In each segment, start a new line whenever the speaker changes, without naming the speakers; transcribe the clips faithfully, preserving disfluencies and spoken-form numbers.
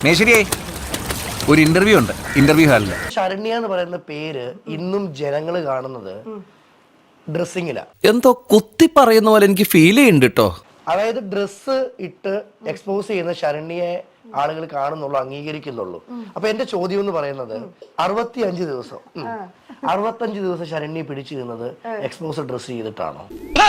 മേശ്വരിയെ ഒരു ഇന്റർവ്യൂ ഉണ്ട്, ഇന്റർവ്യൂ ഹാളിൽ.
ശരണ്യ എന്ന് പറയുന്ന പേര് ഇന്നും ജനങ്ങൾ കാണുന്നത് ഡ്രസ്സിങ്ങിലാ.
എന്തോ കുത്തി പറയുന്ന പോലെ എനിക്ക് ഫീൽ ചെയ്യുന്നുണ്ട് കേട്ടോ.
അതായത് ഡ്രസ്സ് ഇട്ട് എക്സ്പോസ് ചെയ്യുന്ന ശരണ്യയെ ആളുകൾ കാണുന്നുള്ളൂ, അംഗീകരിക്കുന്നുള്ളൂ. അപ്പൊ എന്റെ ചോദ്യം എന്ന് പറയുന്നത് അറുപത്തി അഞ്ച് ദിവസം അറുപത്തഞ്ച് ദിവസം ശരണ്യ പിടിച്ചു നിന്നത് എക്സ്പോസ് ഡ്രസ് ചെയ്തിട്ടാണോ?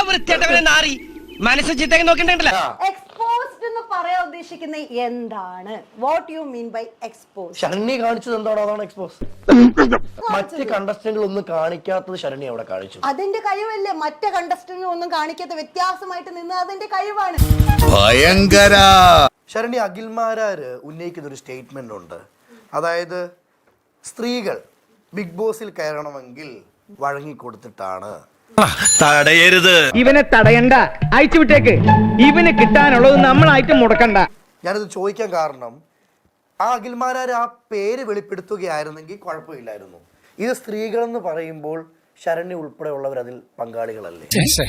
എക്സ്പോസ്ഡ് എന്ന് പറയാൻ ഉദ്ദേശിക്കുന്നത് എന്താണ്? What you mean by expose?
Saranya കാണിച്ചത് എന്താണോ അതാണ് എക്സ്പോസ്. മറ്റ് കണ്ടസ്റ്റന്റുകൾ ഒന്നും കാണിക്കാത്തത് ശരണ്യ അവിടെ കാണിച്ചു.
അതിന്റെ കഴിവല്ലേ? മറ്റേ കണ്ടസ്റ്റന്റ് ഒന്നും കാണിക്കാത്ത വ്യത്യാസമായിട്ട് നിന്ന് അതിന്റെ കഴിവാണ്.
ഭയങ്കര.
ശരണ്യ, അഖിൽമാരാര് ഉന്നയിക്കുന്ന ഒരു സ്റ്റേറ്റ്മെന്റ് ഉണ്ട്. അതായത് സ്ത്രീകൾ ബിഗ് ബോസിൽ കയറണമെങ്കിൽ വഴങ്ങിക്കൊടുത്തിട്ടാണ്.
തടയരുത്.
ഇവനെ തടയണ്ട, അയച്ചു വിട്ടേക്ക്. ഇവന് കിട്ടാനുള്ളത് നമ്മളായിട്ട് മുടക്കണ്ട.
ഞാനിത് ചോദിക്കാൻ കാരണം ആ അഖിൽമാരാര് ആ പേര് വെളിപ്പെടുത്തുകയായിരുന്നെങ്കിൽ കുഴപ്പമില്ലായിരുന്നു. ഇത് സ്ത്രീകളെന്ന് പറയുമ്പോൾ ശരണ്യ ഉൾപ്പെടെയുള്ളവർ അതിൽ പങ്കാളികളല്ലേ?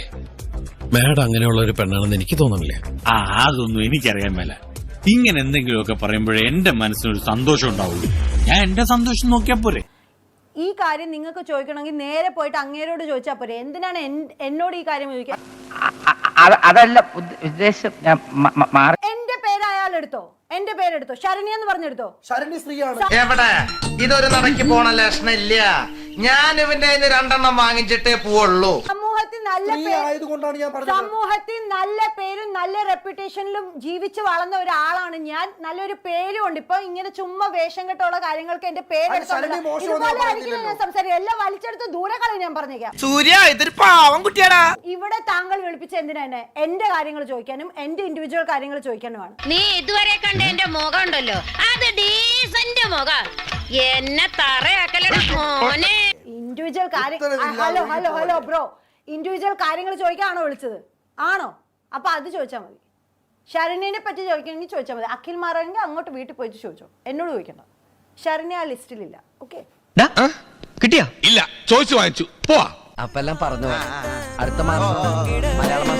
മാഡം അങ്ങനെയുള്ള ഒരു പെണ്ണാണെന്ന് എനിക്ക് തോന്നുന്നില്ല.
ആ അതൊന്നും എനിക്കറിയാൻ മേല. ഇങ്ങനെ എന്തെങ്കിലുമൊക്കെ പറയുമ്പോഴേ എന്റെ മനസ്സിനൊരു സന്തോഷം ഉണ്ടാവുള്ളൂ. ഞാൻ എന്റെ സന്തോഷം നോക്കിയാ പോരെ.
ഈ കാര്യം നിങ്ങൾക്ക് ചോദിക്കണമെങ്കിൽ നേരെ പോയിട്ട് അങ്ങേരോട് ചോദിച്ചാൽ പോരെ. എന്തിനാണ് എന്നോട് ഈ കാര്യം ചോദിക്കാൻ?
അതല്ല ഉദ്ദേശം.
എന്റെ പേര് അയാൾ എടുത്തോ, എന്റെ പേരെടുത്തോ, ശരണ്യ എന്ന് പറഞ്ഞെടുത്തോ.
ശരണ്യ സ്ത്രീയാണ്.
എവിടെ ഇതൊരു നടക്കി പോണ ലക്ഷണം ഇല്ല. ഞാൻ ഇവന്റെ രണ്ടെണ്ണം വാങ്ങിച്ചിട്ടേ പോവുള്ളൂ.
സമൂഹത്തിൽ നല്ല
ആയതുകൊണ്ടാണ് ഞാൻ പറഞ്ഞത്.
സമൂഹത്തിൽ നല്ല പേരും നല്ല റെപ്യൂട്ടേഷനിലും ജീവിച്ച് വളർന്ന ഒരാളാണ് ഞാൻ. നല്ലൊരു പേരും ഉണ്ട്. ഇപ്പൊ ഇങ്ങനെ ചുമ്മാ വേഷം കെട്ടുള്ള കാര്യങ്ങൾക്ക് എന്റെ പേരെടുത്തോണ്ട് ഞാൻ സംസാരിക്കും. എല്ലാം വലിച്ചെടുത്ത് ദൂരെ കളി. ഞാൻ പറഞ്ഞേക്കാം,
സൂര്യ ഇതൊരു പാവം കുട്ടിയാടാ.
ഇവിടെ താങ്കൾ വിളിപ്പിച്ച എന്തിനാ എന്നെ? എന്റെ കാര്യങ്ങൾ ചോദിക്കാനും എന്റെ ഇൻഡിവിജ്വൽ കാര്യങ്ങൾ ചോദിക്കാനുമാണ്.
നീ ഇതുവരെ കണ്ട എന്റെ മുഖം ഉണ്ടല്ലോ, അത് ഡീസന്റ് മുഖം. എന്നെ തറയാക്കലട മോനെ.
ഇൻഡിവിജ്വൽ കാര്യം. Hello hello hello bro, individual കാര്യങ്ങൾ ചോദിക്കാണോ വിളിച്ചത്? ആണോ? അപ്പൊ അത് ചോദിച്ചാൽ മതി. ശരണ്യനെ പറ്റി ചോദിക്കണമെങ്കിൽ ചോദിച്ചാൽ മതി. അഖിൽ മാറാണെങ്കിൽ അങ്ങോട്ട് വീട്ടിൽ പോയിട്ട് ചോദിച്ചോ, എന്നോട് ചോദിക്കണ്ട. ശരണ്യ ആ ലിസ്റ്റിലില്ല. ഓക്കെ,
കിട്ടിയാ? ഇല്ല, ചോദിച്ചു വാങ്ങിച്ചു. പോവാ.
അപ്പൊ എല്ലാം പറഞ്ഞു. അടുത്ത മാസം മലയാളം